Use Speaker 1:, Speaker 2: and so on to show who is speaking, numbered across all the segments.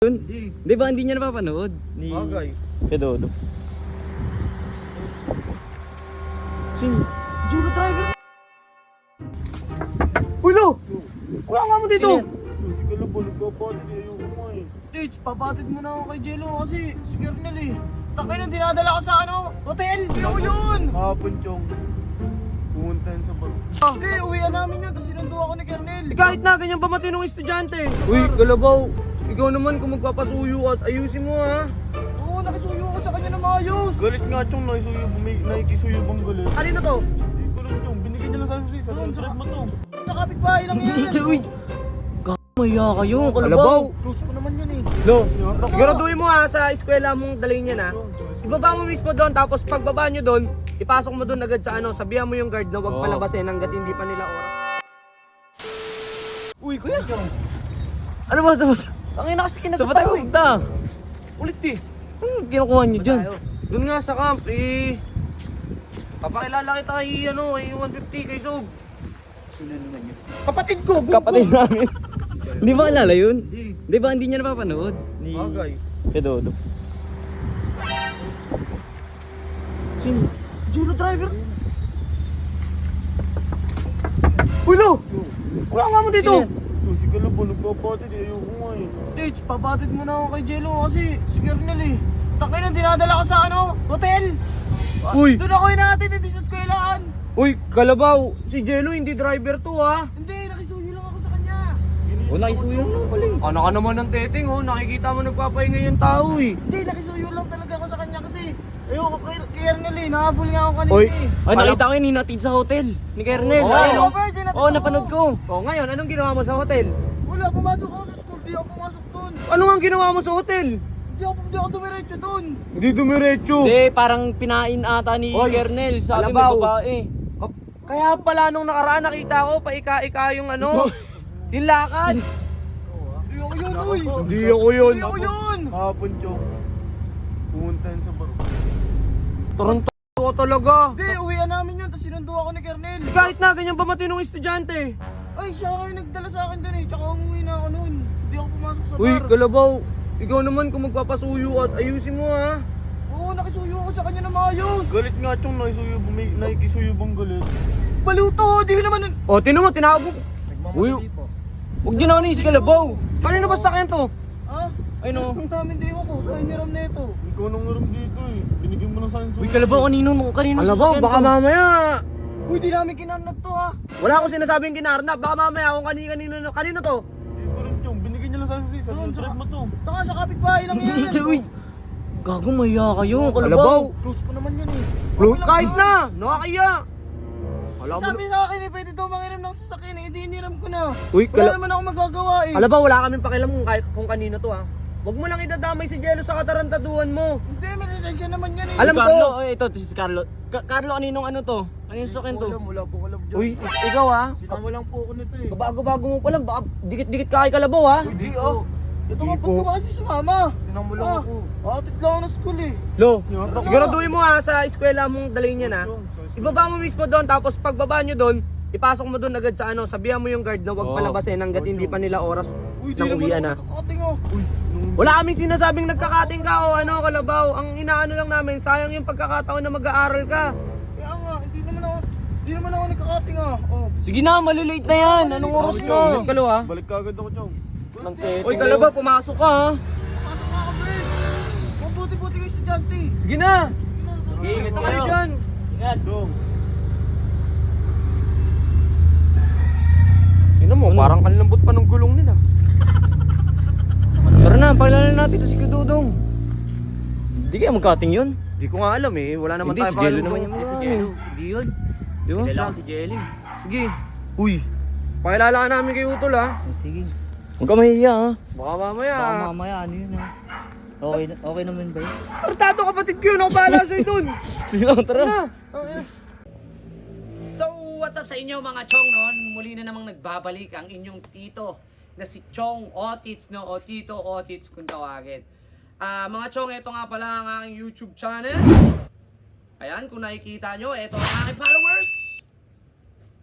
Speaker 1: Di ba hindi niya napapanood?
Speaker 2: Bagay.
Speaker 1: Kay Dodo.
Speaker 2: Juno driver. Uy, lo! Kuya nga mo dito!
Speaker 3: Si Kalabo, nagpapatid eh. Ayoko nga eh.
Speaker 2: Tits, papatid mo na ako kay Jello kasi si Kernel eh. Takay na dinadala ka sa hotel! Hindi ako yun!
Speaker 3: Hapon, Chong. Pumunta yun sa bar.
Speaker 2: Hindi, uwian namin yun, tapos sinundo ako ni Kernel.
Speaker 4: Kahit na ganyan ba matinong estudyante? Uy, Kalabaw, ikaw naman kung magpapasuyo at ayusin mo ha.
Speaker 2: Oo, nakisuyo ako sa kanya na maayos.
Speaker 3: Galit nga, Chong. Nakikisuyo bang galit?
Speaker 4: Alin na to?
Speaker 3: Hindi ko lang, Chong. Binigyan niya lang sa susi. Sa trip mo to.
Speaker 2: Sa kapitbahay lang yan.
Speaker 1: Uy! Maya kayo,
Speaker 4: Kalabaw.
Speaker 1: Kalabaw!
Speaker 2: Close ko naman yun eh.
Speaker 4: Lo, siguraduhin mo ha sa eskwela mong dalhin yan ha. Ibaba mo mismo doon, tapos pagbaba nyo doon, ipasok mo doon agad sa sabihan mo yung guard na huwag palabasin hanggat hindi pa nila oras.
Speaker 1: Uy, kuya! Ano ba sa
Speaker 2: Tangina kasi
Speaker 1: Sa
Speaker 2: kinagat
Speaker 1: patay
Speaker 2: ako eh.
Speaker 1: punta?
Speaker 4: Ulit eh.
Speaker 1: Anong kinukuha niyo dyan?
Speaker 4: Doon nga sa camp eh. Papakilala kita kay kay 150 kay Sob.
Speaker 2: Sino naman yun?
Speaker 4: Kapatid ko,
Speaker 1: Kapatid namin. Di ba alala yun? Di ba hindi niya napapanood?
Speaker 4: Bagay.
Speaker 1: Kay Dodo.
Speaker 2: Juno driver. Uy, lo! Kuya nga mo dito!
Speaker 3: Si Kalabo, nagpapatid eh. Ayoko nga eh.
Speaker 2: Tits, papatid mo na ako kay Jello kasi si Kernel eh. Takay na dinadala ka sa hotel!
Speaker 4: Uy!
Speaker 2: Doon ako inaatid, hindi sa eskwelahan!
Speaker 4: Uy, Kalabaw, si Jello hindi driver to ha.
Speaker 2: Hindi, nakisuyo lang ako sa kanya!
Speaker 1: O, nakisuyo lang pala eh.
Speaker 4: Ano ka naman ng teteng nakikita mo nagpapahinga yung tao eh.
Speaker 2: Hindi, nakisuyo lang talaga ako sa kanya kasi ayoko kay Kernel eh, nahabol nga ako kanina
Speaker 4: Oy.
Speaker 2: eh.
Speaker 1: Ay, nakita ko yun, hinatid sa hotel. Ni Kernel.
Speaker 4: Oo.
Speaker 1: Ayun,
Speaker 2: Oo, birthday natin
Speaker 1: Oo,
Speaker 2: ako.
Speaker 1: napanood ko.
Speaker 4: Ngayon, anong ginawa mo sa hotel?
Speaker 2: Wala, pumasok ako sa school, di ako pumasok doon.
Speaker 4: Ano nga ginawa mo sa hotel?
Speaker 2: Hindi ako dumiretso doon.
Speaker 4: Hindi dumiretso.
Speaker 1: Hindi, parang pinain ata ni
Speaker 4: Oy,
Speaker 1: Kernel. Sabi may
Speaker 4: Kalabaw.
Speaker 1: babae.
Speaker 4: Kaya pala nung nakaraan nakita ko, paika-ika yung yung lakad.
Speaker 2: Hindi ako yun, uy.
Speaker 4: Hindi ako yun.
Speaker 2: Hindi ako yun.
Speaker 3: Hapon, Chong. Pumunta yun sa bar.
Speaker 4: Toronto ko talaga.
Speaker 2: Hindi, uwian namin yun, tapos sinundo ako ni Kernel.
Speaker 4: Kahit na ganyan ba matinong estudyante?
Speaker 2: Ay, siya kayo nagdala sa akin doon eh, tsaka umuwi na ako noon. Hindi ako pumasok sa
Speaker 4: Uy,
Speaker 2: bar.
Speaker 4: Kalabaw, ikaw naman kung magpapasuyo at ayusin mo ha.
Speaker 2: Oo, nakisuyo ako sa kanya na maayos.
Speaker 3: Galit nga, Chong. Nakikisuyo bang galit?
Speaker 2: Baluto, di ko naman...
Speaker 4: O, tinan mo, tinawag mo. Uy,
Speaker 1: Huwag din ako ni si Kalabaw.
Speaker 4: kanino ba sakyan to?
Speaker 2: Ha?
Speaker 1: Ay, no.
Speaker 2: Ang namin di ko, sa iniram na ito.
Speaker 3: Ikaw nang ngaram dito eh. Binigyan mo lang sa akin
Speaker 1: Uy, Kalabaw, kanino
Speaker 4: Alam mo,
Speaker 1: sasakyan
Speaker 4: baka
Speaker 1: to?
Speaker 4: mamaya.
Speaker 2: Uy, di namin kinanap to ha.
Speaker 4: Wala akong sinasabing kinarnap. Baka mamaya kung kanino to.
Speaker 3: Hindi ko rin, Chong. Binigyan niya lang sa akin susi. Sa
Speaker 2: Doon,
Speaker 3: trip mo to.
Speaker 2: Taka sa kapitbahay lang yan.
Speaker 1: Uy, gago, maya kayo,
Speaker 4: Kalabaw.
Speaker 1: Kalabaw.
Speaker 2: Close ko naman yun eh. Okay lang
Speaker 4: Kahit
Speaker 2: yun.
Speaker 4: na, nakakaya. Alam mo,
Speaker 2: Sabi sa akin eh, pwede daw mangiram ng sasakyan eh, hindi iniram ko na.
Speaker 4: Uy,
Speaker 2: Wala naman ako magagawa eh.
Speaker 4: alam ba, wala kaming pakialam kung kanino to ha. Huwag mo lang idadamay si Jello sa katarantaduhan mo.
Speaker 2: Hindi, may lisensya naman yan eh.
Speaker 4: Alam
Speaker 1: Si
Speaker 4: ko.
Speaker 1: Carlo, ito si Carlo. Carlo, kaninong ano to? Kaninong sasakyan to?
Speaker 2: Wala po alam dyan.
Speaker 4: Uy, ikaw ha.
Speaker 2: Sinama lang po ako nito eh.
Speaker 4: Bago-bago mo pa lang, baka dikit-dikit ka kay Kalabaw ha.
Speaker 2: Hindi oh. Ito nga, ba't ka ba kasi sumama?
Speaker 3: Sinama lang ako.
Speaker 2: Atid lang ako ng school eh.
Speaker 4: Lo, siguraduhin mo ha sa eskwela mong dalhin yan ha. Ibaba mo mismo doon, tapos pagbaba nyo doon, ipasok mo doon agad sa sabihan mo yung guard na huwag palabasin hanggat hindi pa nila oras
Speaker 2: Uy, di
Speaker 4: ng uwian
Speaker 2: naman
Speaker 4: ha.
Speaker 2: ako kakating oh.
Speaker 4: Wala kaming sinasabing nagkakating ka o Kalabaw. Ang inaano lang namin, sayang yung pagkakataon na mag-aaral ka.
Speaker 2: Kaya nga, hindi naman ako nagkakating ah. Oh.
Speaker 1: Sige na, malilate na yan. Anong oras na?
Speaker 4: Ulit ka lo ha.
Speaker 3: Balik ka agad ako, Chong.
Speaker 1: Uy, Kalabaw, pumasok ka ha.
Speaker 2: Pasok nga ako, Bert. Mabuti-buti kayo estudyante.
Speaker 4: Sige na.
Speaker 2: Ingat
Speaker 4: Basta kayo dyan.
Speaker 3: Chong.
Speaker 4: Tingnan mo, parang kanilambot pa ng gulong nila.
Speaker 1: Tara na, pakilala natin ito si Kududong. Hindi kaya magkating yun?
Speaker 4: Di ko nga alam eh, wala naman
Speaker 1: Hindi,
Speaker 4: tayo
Speaker 1: si Jello
Speaker 4: pakialam
Speaker 1: naman
Speaker 4: kung-
Speaker 1: yung
Speaker 4: Si
Speaker 1: mga
Speaker 4: Jello, hindi yun.
Speaker 1: Di ba?
Speaker 4: Kilala ko si Jelly. Sige. Uy, pakilala ka namin kay Utol ha.
Speaker 5: Sige.
Speaker 1: Huwag ka mahiya ha.
Speaker 4: Baka mamaya.
Speaker 5: Baka mamaya ano yun ha? Okay naman ba yun?
Speaker 4: Tartado kapatid ko yun, ako bahala sa'yo dun.
Speaker 1: Sige lang, tara.
Speaker 6: So, what's up sa inyo mga chong noon? Muli na namang nagbabalik ang inyong tito na si Chong Otits, no? O Tito Otits kung tawagin. Mga chong, ito nga pala ang aking YouTube channel. Ayan, kung nakikita nyo, ito ang aking followers.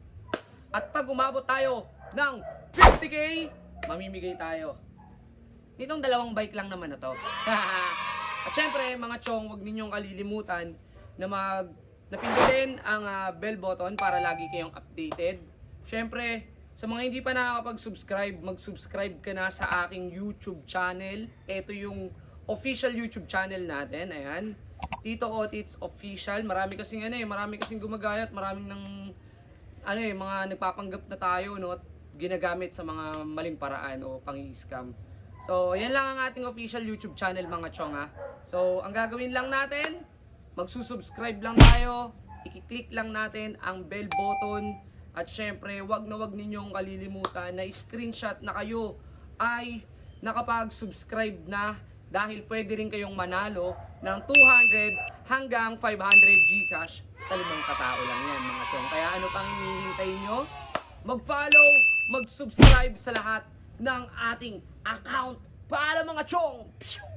Speaker 6: At pag umabot tayo ng 50k, mamimigay tayo nitong dalawang bike lang naman na to. At syempre, mga chong, huwag ninyong kalilimutan na napindutin ang bell button para lagi kayong updated. Syempre, sa mga hindi pa nakakapag-subscribe, mag-subscribe ka na sa aking YouTube channel. Ito yung official YouTube channel natin, ayan. Tito Otits Official. Marami kasing gumagayat, maraming mga nagpapanggap na tayo, no, at ginagamit sa mga maling paraan o pang-scam. So, yan lang ang ating official YouTube channel, mga chong, ha. So, ang gagawin lang natin, magsusubscribe lang tayo, i-click lang natin ang bell button, at syempre, wag na wag ninyong kalilimutan na screenshot na kayo ay nakapag-subscribe na, dahil pwede rin kayong manalo ng 200 hanggang 500 Gcash sa 5 katao lang yan, mga chong. Kaya ano pang hinihintay nyo? Mag-follow, mag-subscribe sa lahat ng ating account para, mga chong!